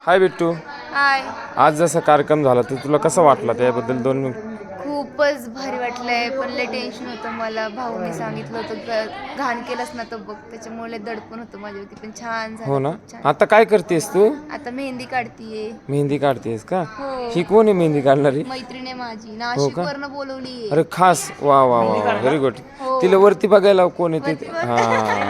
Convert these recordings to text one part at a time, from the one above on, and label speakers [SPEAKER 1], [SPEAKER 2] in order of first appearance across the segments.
[SPEAKER 1] हाय बिट्टू.
[SPEAKER 2] हाय.
[SPEAKER 1] आज जसा कार्यक्रम झाला तर तुला कसं वाटला त्याबद्दल दोन
[SPEAKER 2] खूपच भारी वाटलंय, पण लय टेन्शन होतं मला. भाऊने सांगितलं होतं घाण केलंच ना तर बघ, त्याच्यामुळे दडपण होतं माझ्यावरती. पण छान झालं.
[SPEAKER 1] हो ना.
[SPEAKER 2] खूप छान.
[SPEAKER 1] आता काय करतेस तू?
[SPEAKER 2] आता मेहंदी काढतीये.
[SPEAKER 1] मेहंदी काढतेस का?
[SPEAKER 2] हो.
[SPEAKER 1] ही कोण आहे मेहंदी काढणारी?
[SPEAKER 2] मैत्रीण आहे माझी,
[SPEAKER 1] हो
[SPEAKER 2] नाशिक
[SPEAKER 1] का?
[SPEAKER 2] वरनं बोलवली.
[SPEAKER 1] अरे खास, वा वा वा, व्हेरी गुड.
[SPEAKER 2] हो.
[SPEAKER 1] तिला वरती बघायला कोण येते? हा,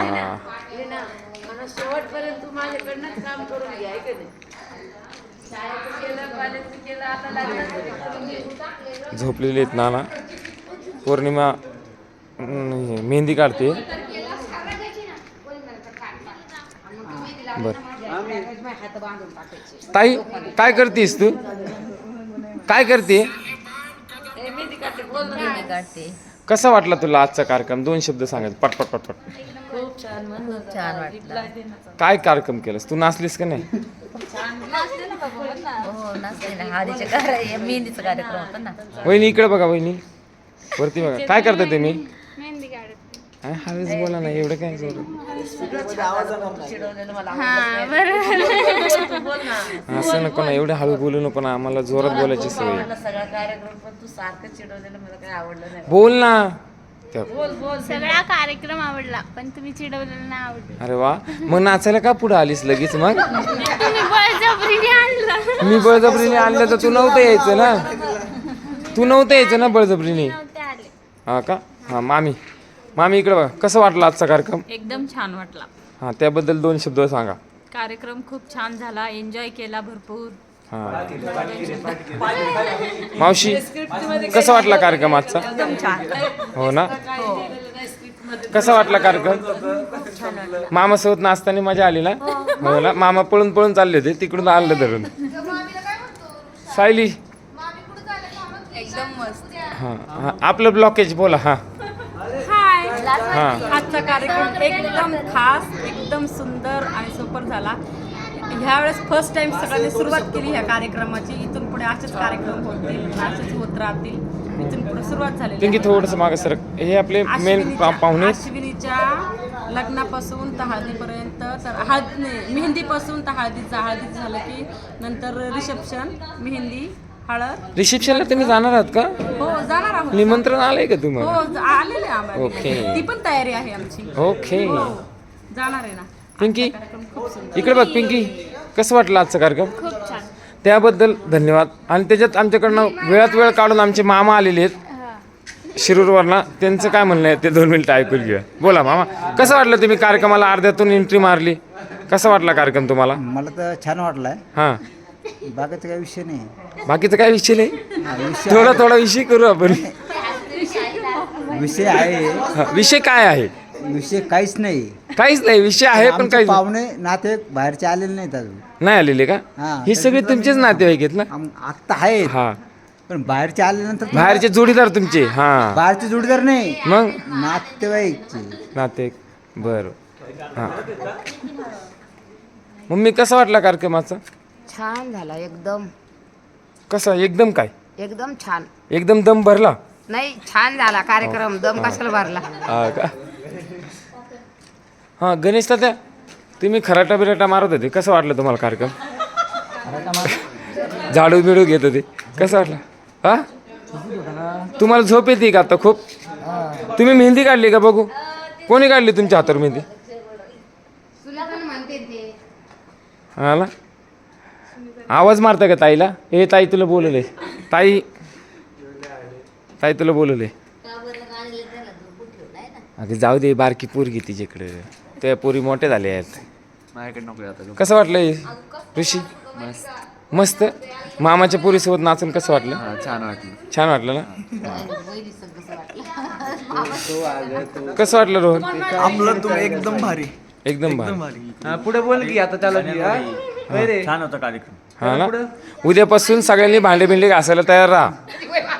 [SPEAKER 3] शेवटपर्यंत तू माझ्याकडनंच काम करून घ्या की नाही. शाळेचं केलं, कॉलेजचं केलं, आता लग्नाचं
[SPEAKER 1] झोपलेली आहेत नाना. पौर्णिमा मेहंदी काढते. बर, ताई काय करतेस तू? काय करते?
[SPEAKER 3] मेहंदी काढते.
[SPEAKER 1] कसा वाटला तुला आजचा कार्यक्रम? दोन शब्द सांगायचे पटपट पटपट.
[SPEAKER 3] खूप छान वाटलं.
[SPEAKER 1] काय कार्यक्रम केलास तू? नाचलीस का नाही?
[SPEAKER 3] हो नाचते ना. मेहंदीचा कार्यक्रम होता ना.
[SPEAKER 1] वहिनी इकडे बघा, वहिनी वरती बघा. काय करता तुम्ही? हळूच बोला ना, एवढं काय जोरात. असं नको ना, एवढं हळू बोलू नको ना, आम्हाला जोरात बोलायची सवय आहे.
[SPEAKER 3] सगळा कार्यक्रम पण तू सारखं चिडवलेलं मला काही आवडलं नाही.
[SPEAKER 1] बोल ना.
[SPEAKER 2] सगळा कार्यक्रम आवडला, पण तुम्ही चिडवलेलं नाही आवडलं.
[SPEAKER 1] अरे वा, मग नाचायला का पुढे आलीस लगेच? मग
[SPEAKER 2] तुम्ही बळजबरीने आणलं.
[SPEAKER 1] मी बळजबरीने आणलं तर तू नव्हतं यायचं ना. तू नव्हतं यायचं ना बळजबरीने. हा का? हा मामी, मामी इकडे बघा. कसं वाटलं आजचा कार्यक्रम?
[SPEAKER 4] एकदम छान वाटला.
[SPEAKER 1] हा, त्याबद्दल दोन शब्द सांगा.
[SPEAKER 4] कार्यक्रम खूप छान झाला, एन्जॉय केला भरपूर.
[SPEAKER 1] हा, मावशी कसा वाटला कार्यक्रम आजचा? हो ना. कसा वाटला कार्यक्रम? मामासोबत नाचताना मजा आली ना? हो ना. मामा पळून पळून चालले होते, तिकडून आलं धरून. सायली
[SPEAKER 2] एकदम मस्त.
[SPEAKER 1] हा हा, आपलं ब्लॉकेज बोला. हा हा,
[SPEAKER 4] आजचा कार्यक्रम एकदम खास, एकदम सुंदर आणि सुपर झाला. ह्यावेळेस फर्स्ट टाइम सगळ्यांनी सुरुवात केली ह्या कार्यक्रमाची. इथून पुढे असेच कार्यक्रम होतील, असेच होत राहतील. इथून पुढे सुरुवात झाली.
[SPEAKER 1] पिंकी थोडंसं मागं सरक. हे आपले मेन पाहुणे.
[SPEAKER 4] अश्विनीच्या लग्नापासून तर हळदीपर्यंत, तर मेहंदीपासून तर हळदीचं झालं की नंतर रिसेप्शन, मेहंदी, हळद.
[SPEAKER 1] रिसेप्शनला तुम्ही जाणार आहात का?
[SPEAKER 4] हो जाणार आहोत.
[SPEAKER 1] निमंत्रण आलंय का तुम्हाला?
[SPEAKER 4] हो आलेले आम्हाला.
[SPEAKER 1] ओके.
[SPEAKER 4] ती पण तयारी आहे आमची.
[SPEAKER 1] ओके.
[SPEAKER 4] जाणार आहे ना.
[SPEAKER 1] पिंकी इकडे बघ. पिंकी कसं वाटलं आजचा कार्यक्रम?
[SPEAKER 2] खूप छान.
[SPEAKER 1] त्याबद्दल धन्यवाद. आणि त्याच्यात आमच्याकडनं वेळात वेळ काढून आमचे मामा आलेले आहेत शिरूरवरनं. त्यांचं काय म्हणणं आहे ते 2 मिनिटं ऐकून घेऊया. बोला मामा, कसं वाटलं? तुम्ही कार्यक्रमाला अर्ध्यातून एंट्री मारली. कसा वाटला कार्यक्रम तुम्हाला?
[SPEAKER 5] मला तर छान वाटलाय.
[SPEAKER 1] हां,
[SPEAKER 5] बाकीचा काही विषय नाही.
[SPEAKER 1] बाकीचं काय विषय नाही.
[SPEAKER 5] विषय
[SPEAKER 1] थोडा विषय करू आपण.
[SPEAKER 5] विषय आहे.
[SPEAKER 1] हा, विषय काय आहे?
[SPEAKER 5] विषय काहीच नाही.
[SPEAKER 1] काहीच नाही. विषय आहे पण
[SPEAKER 5] आमचे
[SPEAKER 1] काही
[SPEAKER 5] पाहुणे नाते बाहेरचे आलेले नाहीत अजून.
[SPEAKER 1] नाही आलेले का?
[SPEAKER 5] हा.
[SPEAKER 1] ही सगळे तुमचेच नातेवाईक आहेत ना?
[SPEAKER 5] आत्ता आहेत,
[SPEAKER 1] हा,
[SPEAKER 5] पण बाहेरचे आल्यानंतर
[SPEAKER 1] बाहेरचे जोडीदार तुमचे. हा,
[SPEAKER 5] बाहेरचे जोडीदार नाही,
[SPEAKER 1] मग
[SPEAKER 5] नातेवाईकचे.
[SPEAKER 1] नाते. बरं. हां, मम्मी कसा वाटला कार्यक्रमाचा?
[SPEAKER 6] छान झाला एकदम.
[SPEAKER 1] कसा? एकदम काय?
[SPEAKER 6] एकदम छान.
[SPEAKER 1] एकदम दम भरला?
[SPEAKER 6] नाही छान झाला कार्यक्रम. दम कशाला भरला?
[SPEAKER 1] हा का? हां, गणेश तात्या तुम्ही खराटा बिराटा मारत होते. कसं वाटलं तुम्हाला कार्यक्रम? झाडू बिडू घेत होते. कसं वाटलं? हा, तुम्हाला झोप येते का आता खूप? तुम्ही मेहंदी काढली का? बघू कोणी काढली तुमच्या हातावर मेहंदी? हा ना. आवाज मारता का ताईला? ए ताई तुला बोलवले. ताई ताई तुला बोलवले. अगं जाऊ दे, बारकी पोरगी तिच्याकडे. त्या पोरी मोठ्या झाल्या आहेत. कसं वाटलं ऋषी? मस्त. मामाच्या पोरीसोबत नाचून कसं वाटलं?
[SPEAKER 7] छान वाटलं.
[SPEAKER 1] छान वाटलं ना. कसं वाटलं रोहन?
[SPEAKER 7] आपलं तुम्ही एकदम भारी.
[SPEAKER 1] एकदम भारी.
[SPEAKER 7] पुढे बोल की आता त्याला
[SPEAKER 5] छान होता कार्यक्रम.
[SPEAKER 1] हा ना. उद्यापासून सगळ्यांनी भांडे बिंडे घासायला तयार राहा.